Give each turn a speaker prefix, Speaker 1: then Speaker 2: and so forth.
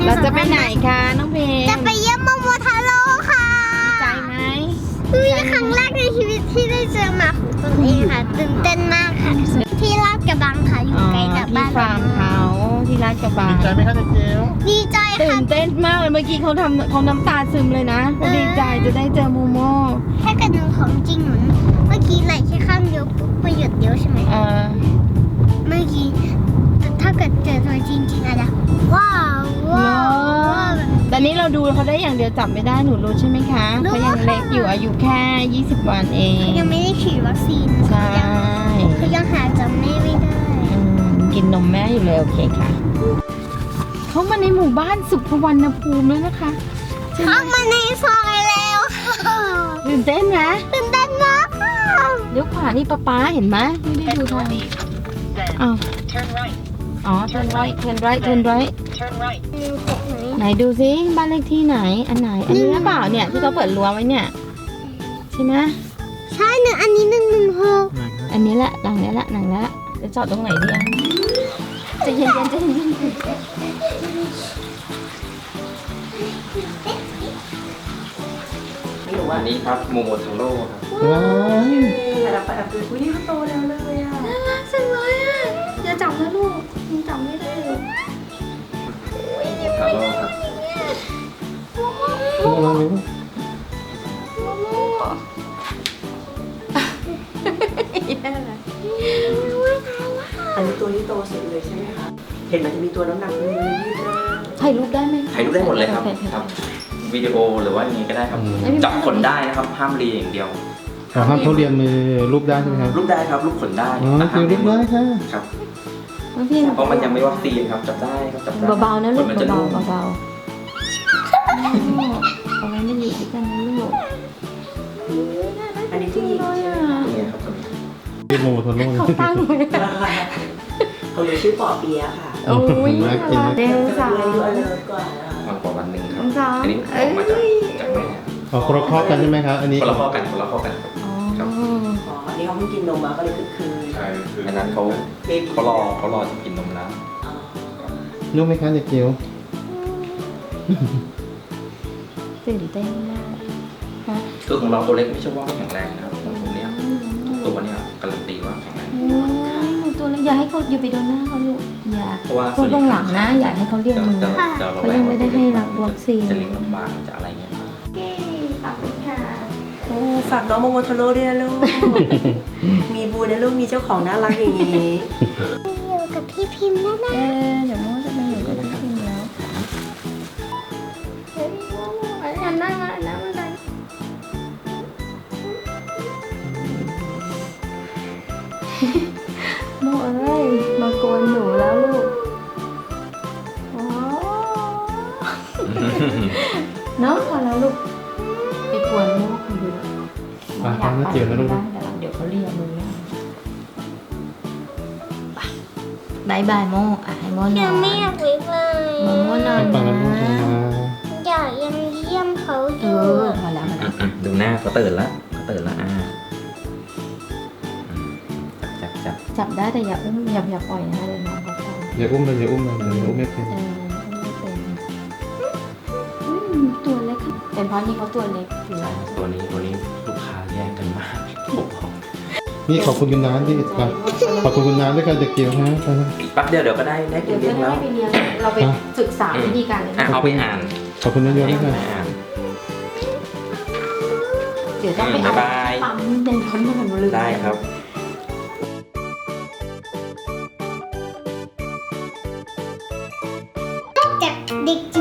Speaker 1: เราจะไปไหนคะน้องเพลง
Speaker 2: จะไปเยี่ยมโมโมทาโร่ค่ะ
Speaker 1: ดีใจไหม
Speaker 2: นี่ครั้งแรกในชีวิตที่ได้เจอหมาของตนเองค่ะตื่นเต้นมากค่ะ ที่ลาดกระบังค่ะอยู่ใกล้กับบ้าน
Speaker 1: ที่ฟาร์มเขาที่ลาดกระบัง
Speaker 3: ดีใจไหมคะเด็กเกล
Speaker 2: ดีใจ
Speaker 1: ตื่
Speaker 2: ค่ะ
Speaker 1: นเต้นมากเลยเมื่อกี้เขาน้ำตาซึมเลยนะเขาดีใจจะได้เจอโมโม
Speaker 2: ถ้าเกิดหนูของจริงหนูเมื่อกี้ไหลแค่ข้างเดียวปุ๊บประโยชน์เดียวใช่ไหม เมื่อกี้ถ้าเกิดเจอตัวจริงๆอะนะว้าวว้าวว้าว
Speaker 1: ตอนนี้เราดูเขาได้อย่างเดียวจับไม่ได้หนูรู้ใช่ไหมคะ
Speaker 2: รู้
Speaker 1: เขายังเล็กอยู่อายุแค่20 วันเอง
Speaker 2: ยังไม่ได้ฉีดวัคซีน
Speaker 1: ใช่
Speaker 2: เขายังหาจำไม่ได้
Speaker 1: กินนมแม่อยู่เลยโอเคค่ะเขามาในหมู่บ้านสุขวรรณภูมิแล้วนะคะใช่ไหม
Speaker 2: เข้ามาในซอยแล้วค่ะ
Speaker 1: ตื่นเต้นไหม
Speaker 2: ตื่นเต้นมากค่ะ
Speaker 1: เลี้ยวขวานี่ป๊าเห็นไหมไม่ได้ดูทางอ้าวอ๋อ turn right ไหนดูซิบ้านเลขที่ไหนอันไหนอันนี้หรือเปล่าเนี่ยที่เขาเปิดรั้วไว้เนี่ยใช่ไหม
Speaker 2: ใช่หนึ่งอันนี้116
Speaker 1: อันนี้แหละหลังนี้แหละจะจอดตรงไหนดีอ่ะใจะเย็นๆใจเย็น
Speaker 3: อันนี้ครับโมโมทาโร่ครับ
Speaker 1: ว้าว
Speaker 4: ไปดูอุ้ยนี่เขาโตแล้วเลยอ่ะ
Speaker 1: น่ารักจังเลยอ่ะอย่าจับนะลูกยังจับไม่ได้เลย
Speaker 3: ทาโร่ครับ
Speaker 4: อันนี้ตัวนี้โตสุดเลยใช่ไหมคะ เห็นมันจะมีตัวน้ำหนักมือยืดหน้า
Speaker 1: ถ่ายรูปได้ไหม
Speaker 3: ถ่ายรูปได้หมดเลยครับครับ วิดีโอหรือว่าอย่างนี้ก็ได้ครับ จับขนได้นะครับ ห้ามรีอย่างเดียว
Speaker 5: ห้ามเขาเรียนมือรูปได้ใช่ไหมครับ
Speaker 3: รูปได้ครับรูปขนได้
Speaker 5: อ๋อคือรูปได้ค่ะ
Speaker 3: ครับ
Speaker 1: น้องพี่
Speaker 3: เพราะมันยังไม่วัคซีนครับ จับได้ครับจับได้
Speaker 1: เบาๆนะลูก
Speaker 3: ขมันจะ
Speaker 1: เบา
Speaker 3: นุ่ม
Speaker 1: ๆเบาๆเอาไว้ไม่อยู่ด้วยกันนะลูก
Speaker 4: อันนี้ผู้หญิงใช่ไหมคะ
Speaker 3: นี่ครับตัวนี้
Speaker 5: เรียกโมโมโทโร่
Speaker 1: เขาตั้งไว้
Speaker 4: เขาเลยชื่อปอเปียะค่ะ
Speaker 1: โอ้ยเดลสาว
Speaker 4: อายุอเลิร์กว่า
Speaker 3: มากกว่าวันหนึ่งครับ
Speaker 1: สาว
Speaker 3: อันนี้ออกมาจากแม่
Speaker 5: อ๋อคนละครอบกันใช่ไหมครับ อันนี้
Speaker 3: คนละข้อกันคนละข้อกันครับ
Speaker 1: อ๋อ
Speaker 4: อ๋ออันนี้เขาเพิ่งกินนมมาก็เลยคือ
Speaker 3: ใช่คืออันนั้นเขารอจะกินนมแล้ว
Speaker 4: อ๋อ
Speaker 5: นุ่มไหมคะเด็กเกียว
Speaker 1: ตื่นเต้นมากฮะ
Speaker 3: คือของเราตัวเล็กไม่ใช่ว่าไม่แข็งแรงนะครับของผมเนี่ยตัวเนี่ยการันตีว่าแข็งแรง
Speaker 1: โอ้ยหนูตัวเล็กอย่าให้เขาอย่าไปโดนหน้าเขาลูกอย่า
Speaker 3: เพราะว่า
Speaker 1: เขาตรงหลังนะอย่าให้เขาเรียกมือ เขายังไม่ได้ให้รับวัคซีน
Speaker 3: จะเลี้ยงลำบากจะอะไรเงี้ย
Speaker 1: ขอบคุณค่ะ
Speaker 4: โอ้ฝากน้องโมโมโทโร่ด้วยนะลูก มีบูนะลูก มีเจ้าของน่ารักอย่างนี้
Speaker 2: อยู่กับพี่พิมพ์นะนะ
Speaker 1: เดี๋ยวโมจะไปอยู่กับพี่พิมแล้วเฮ้ยโมอันหน้ามาอันหน้ามาไหนโมเอ้ยมากวนหนูแล้วลูกอ๋อเนาะพอแล้วลูกไปกวนโมคนเดียว
Speaker 5: ฟังนะเกียวนะลูก
Speaker 1: เดี๋ยวเขาเรียกมือไปบายบายโมอ่ะให้โมน
Speaker 2: ยั
Speaker 1: อง น
Speaker 2: ไม่อยากวิกเลย
Speaker 1: โมนอน
Speaker 5: ฟังนะลูก
Speaker 1: นะ
Speaker 5: นะ
Speaker 2: อยากยังเยี่ยมเขาอ
Speaker 1: เอยู่ อพอแล้วมาแล้ว
Speaker 3: ดูหน้าเขาตื่นแล้วจับ
Speaker 1: จับได้แต่อย่าอุ้มอย่าปล่อยนะเดี๋ยวน้องเขาฟัง
Speaker 5: อย่าอุ้มเลยอย่าอุ้มเลยเดี๋ยวอุ้มไม่เป็น
Speaker 1: ไม่เป็นตัวเล็กเป็นเพราะนี่เขาตัวเล็กอยู่แล้ว
Speaker 3: ตัวนี้ลูกค้าแย่งกันมากผมบอก
Speaker 5: นี่ขอบคุณคุณน้ำที่ครับขอบคุณคุณน้ำด้วยค่ะเด็กเกียวฮะไปนะ
Speaker 3: อีกแป๊บเดียวก็ได้กิ
Speaker 1: เดี๋ย
Speaker 3: น
Speaker 1: ว
Speaker 3: เลี้
Speaker 1: จะ
Speaker 3: ยง
Speaker 1: ได้
Speaker 3: แล้ว
Speaker 1: ไปเรียนเราไปศึกษาวิธีการเลยนะ
Speaker 3: เอาไปอ่าน
Speaker 5: ขอบคุณเยอะๆด้วยค่ะ
Speaker 3: อ่าน
Speaker 1: เดี๋ยวต้องไปเอา
Speaker 3: บ๊ายบาย
Speaker 1: ปั๊มในรถมาหนูลืม
Speaker 3: ได้ครับ
Speaker 2: จากเด็กจิ